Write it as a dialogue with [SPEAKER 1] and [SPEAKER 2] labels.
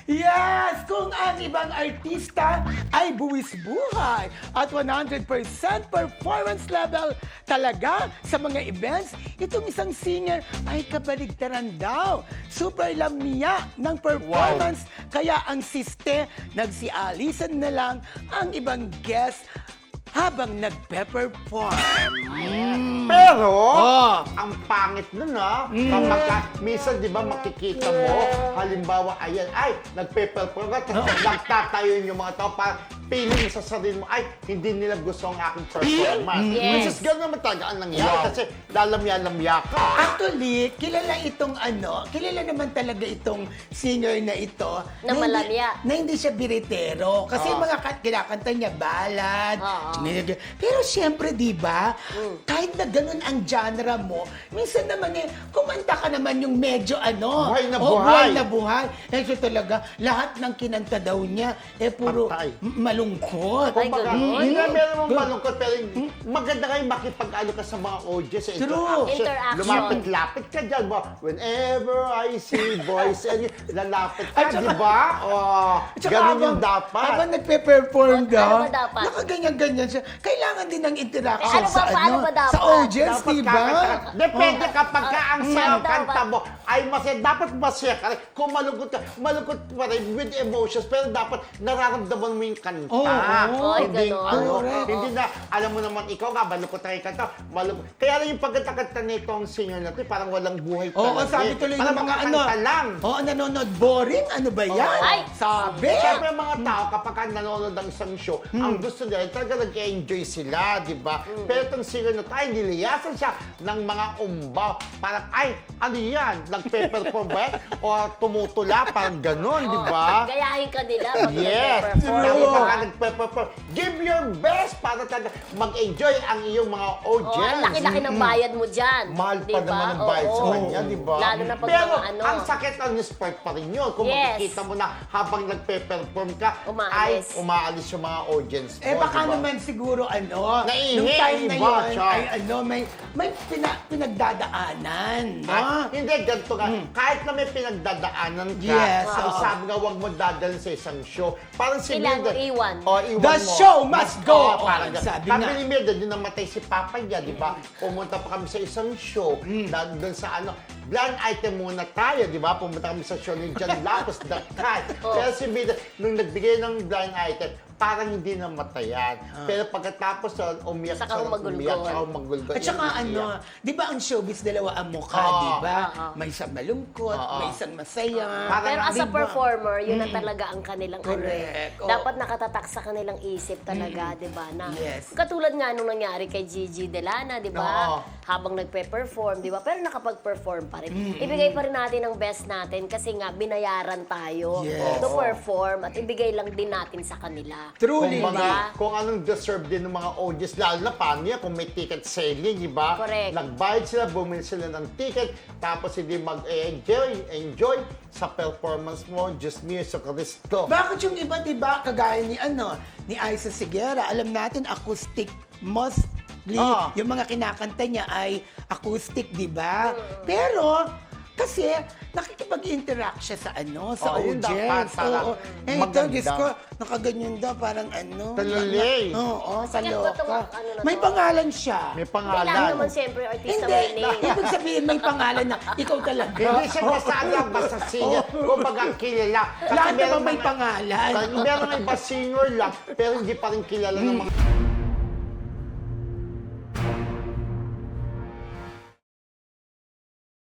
[SPEAKER 1] Yes! Kung ang ibang artista ay buwis buhay at 100% performance level talaga sa mga events, itong isang singer ay kabaligtaran daw. Super lamia ng performance, kaya ang siste, nagsialisan na lang ang ibang guest habang nagpe-perform.
[SPEAKER 2] Pero,
[SPEAKER 1] Oh.
[SPEAKER 2] ang pangit nun kapag minsan di ba makikita mo, halimbawa, ayan, ay, nagpe-perform ka, tapos nagtatayo yung mga tao, parang feeling sa sarili mo, ay, hindi nila gusto ang aking performance.
[SPEAKER 3] Yes.
[SPEAKER 2] Which is gano'n naman talaga ang nangyari, kasi lalamya-lamya ka.
[SPEAKER 1] Actually, kilala naman talaga itong singer na ito.
[SPEAKER 3] Na malamya.
[SPEAKER 1] Na hindi siya biritero. Kasi yung mga kinakanta niya, ballad. Pero siyempre, di ba, kahit na ganun ang genre mo, minsan naman kumanta ka naman yung medyo
[SPEAKER 2] Buhay na
[SPEAKER 1] buhay
[SPEAKER 2] buhay.
[SPEAKER 1] na buhay. Eh, so talaga, lahat ng kinanta daw niya, puro
[SPEAKER 2] Patay.
[SPEAKER 1] malungkot.
[SPEAKER 3] Ay,
[SPEAKER 2] Kumbaga,
[SPEAKER 3] ganun?
[SPEAKER 2] hindi na meron mong malungkot, pero maganda kayo makipag-ano ka sa mga audience.
[SPEAKER 1] True.
[SPEAKER 3] Interaction.
[SPEAKER 2] Lumapit-lapit ka dyan. Whenever I see voice, and lalapit ka,
[SPEAKER 1] At saka-
[SPEAKER 2] di ba?
[SPEAKER 1] At saka
[SPEAKER 2] Ganun
[SPEAKER 1] habang-
[SPEAKER 2] yung dapat.
[SPEAKER 1] Habang nagpe-perform
[SPEAKER 3] Ano
[SPEAKER 1] daw,
[SPEAKER 3] ba dapat?
[SPEAKER 1] nakaganyan-ganyan siya. Kailangan din ng interaction
[SPEAKER 3] ano ba,
[SPEAKER 1] sa
[SPEAKER 3] paano ba dapat?
[SPEAKER 1] sa audience,
[SPEAKER 2] Dapat
[SPEAKER 1] di ba?
[SPEAKER 2] kakanta. Depende kapag ka ang
[SPEAKER 3] Ano
[SPEAKER 2] sayang
[SPEAKER 3] dapat?
[SPEAKER 2] kanta mo ay masaya. Dapat masaya ka rin. Kung malungkot pa rin with emotions, pero dapat nararamdaman mo yung kanta.
[SPEAKER 1] Oo.
[SPEAKER 3] Ay,
[SPEAKER 2] Hindi,
[SPEAKER 3] ganon.
[SPEAKER 1] Correct.
[SPEAKER 2] hindi na, alam mo naman, ikaw nga, malungkot na yung kanta. Kaya lang yung pagkakanta nitong singer na ito, parang walang buhay
[SPEAKER 1] Oo,
[SPEAKER 2] talaga.
[SPEAKER 1] sabi tuloy ng
[SPEAKER 2] Parang
[SPEAKER 1] mga
[SPEAKER 2] kanta lang.
[SPEAKER 1] Oo, nanonood. Boring? Ano ba yan?
[SPEAKER 3] Ay!
[SPEAKER 1] Sabi!
[SPEAKER 2] Siyempre mga tao, kapag ka nanonood ng isang show, ang gusto nila, talaga nag-enjoy sila, di ba? Pero itong singer na tayo, niliyasan siya ng mga umbaw. Parang, ay, ano yan? Nagpe-perform ba yan? O tumutula? Parang ganun, di ba?
[SPEAKER 3] Gayahin ka nila pag
[SPEAKER 2] Yes!
[SPEAKER 3] nagpe-perform.
[SPEAKER 2] Tapos pagka nagpe-perform, give your best para talaga mag-enjoy ang iyong mga
[SPEAKER 3] Oh,
[SPEAKER 2] audience.
[SPEAKER 3] ang laki-laki ng bayad mo dyan.
[SPEAKER 2] Mahal pa
[SPEAKER 3] Diba?
[SPEAKER 2] naman ang bayad sa
[SPEAKER 3] Oo.
[SPEAKER 2] kanya, di ba?
[SPEAKER 3] Lalo na pag
[SPEAKER 2] Pero
[SPEAKER 3] mga
[SPEAKER 2] ang sakit on the spot pa rin yun. Kung
[SPEAKER 3] Yes.
[SPEAKER 2] makikita mo na habang nagpe-perform ka,
[SPEAKER 3] Umaalis.
[SPEAKER 2] ay umaalis yung mga audience mo,
[SPEAKER 1] Baka
[SPEAKER 2] di ba?
[SPEAKER 1] naman siguro
[SPEAKER 2] Naihi,
[SPEAKER 1] nung time na
[SPEAKER 2] iba
[SPEAKER 1] yun,
[SPEAKER 2] siya.
[SPEAKER 1] ay may pinagdadaanan, no?
[SPEAKER 2] Ay, hindi, ganito ka. Kahit na may pinagdadaanan ka,
[SPEAKER 1] Yes,
[SPEAKER 2] ang
[SPEAKER 1] oo.
[SPEAKER 2] sabi nga, huwag mo dadalhin sa isang show. Parang si
[SPEAKER 3] Kailangan
[SPEAKER 2] Mildred.
[SPEAKER 3] mo iwan.
[SPEAKER 2] Iwan
[SPEAKER 1] The
[SPEAKER 2] mo.
[SPEAKER 1] show must go
[SPEAKER 2] Oo,
[SPEAKER 1] on,
[SPEAKER 2] parang ganun.
[SPEAKER 1] sabi
[SPEAKER 2] Sabi
[SPEAKER 1] nga.
[SPEAKER 2] ni Mildred, yung namatay si Papa niya, di ba? Pumunta pa kami sa isang show, doon sa blind item muna tayo, di ba? Pumunta kami sa show ni John Lapus, The Cat. Pero si Mildred, nung nagbigay ng blind item, parang hindi namatayan. Pero pagkatapos umiyak
[SPEAKER 3] Saka humagulgol.
[SPEAKER 2] umiyak, saka humagulgol.
[SPEAKER 1] At saka
[SPEAKER 2] Umiyak.
[SPEAKER 1] di ba ang showbiz dalawa ang mukha,
[SPEAKER 2] Oo.
[SPEAKER 1] di ba?
[SPEAKER 3] Oo.
[SPEAKER 1] May isang malungkot,
[SPEAKER 2] Oo.
[SPEAKER 1] may isang masaya.
[SPEAKER 2] Parang,
[SPEAKER 3] Pero as a
[SPEAKER 1] Diba?
[SPEAKER 3] performer, yun na talaga ang kanilang
[SPEAKER 1] Correct. Oo.
[SPEAKER 3] Dapat nakatatak sa kanilang isip talaga, di ba? Na,
[SPEAKER 1] Yes.
[SPEAKER 3] Katulad nga nung nangyari kay Gigi Delana, di ba?
[SPEAKER 2] Oo.
[SPEAKER 3] Habang nagpe-perform, di ba? Pero nakapag-perform pa rin. Ibigay pa rin natin ang best natin kasi nga binayaran tayo
[SPEAKER 1] Yes.
[SPEAKER 3] to perform at ibigay lang din natin sa kanila.
[SPEAKER 1] Truly,
[SPEAKER 2] Kumbaga,
[SPEAKER 3] Diba?
[SPEAKER 2] kung anong deserve din ng mga audience, lalo na paano yan, kung may ticket selling, di ba?
[SPEAKER 3] Correct.
[SPEAKER 2] Nagbayad sila, bumili sila ng ticket, tapos hindi enjoy sa performance mo, just music, Cristo.
[SPEAKER 1] Bakit yung iba, di ba, kagaya ni Aiza Sigera, alam natin, acoustic mostly,
[SPEAKER 2] Ah.
[SPEAKER 1] yung mga kinakanta niya ay acoustic, di ba? Pero, kasi nakikipag-interact siya sa sa
[SPEAKER 2] yun dapat,
[SPEAKER 1] audience.
[SPEAKER 2] para
[SPEAKER 1] Oo. Ito,
[SPEAKER 2] maganda.
[SPEAKER 1] guess ko, nakaganyan daw, parang
[SPEAKER 2] Talulay.
[SPEAKER 1] Oo, sa
[SPEAKER 3] Sikat ba tong
[SPEAKER 1] loka.
[SPEAKER 3] ano na
[SPEAKER 1] May
[SPEAKER 3] to?
[SPEAKER 1] pangalan siya.
[SPEAKER 2] May
[SPEAKER 3] Kailangan
[SPEAKER 2] pangalan.
[SPEAKER 3] naman siyempre artista
[SPEAKER 1] Hindi,
[SPEAKER 3] may name.
[SPEAKER 1] ibig sabihin may pangalan na ikaw talaga.
[SPEAKER 2] Hindi siya basta basta singer. Kumbaga, kilala. Kasi
[SPEAKER 1] Lahat
[SPEAKER 2] meron
[SPEAKER 1] naman may
[SPEAKER 2] mga-
[SPEAKER 1] pangalan.
[SPEAKER 2] Meron nga iba singer lang, pero hindi pa rin kilala ng mga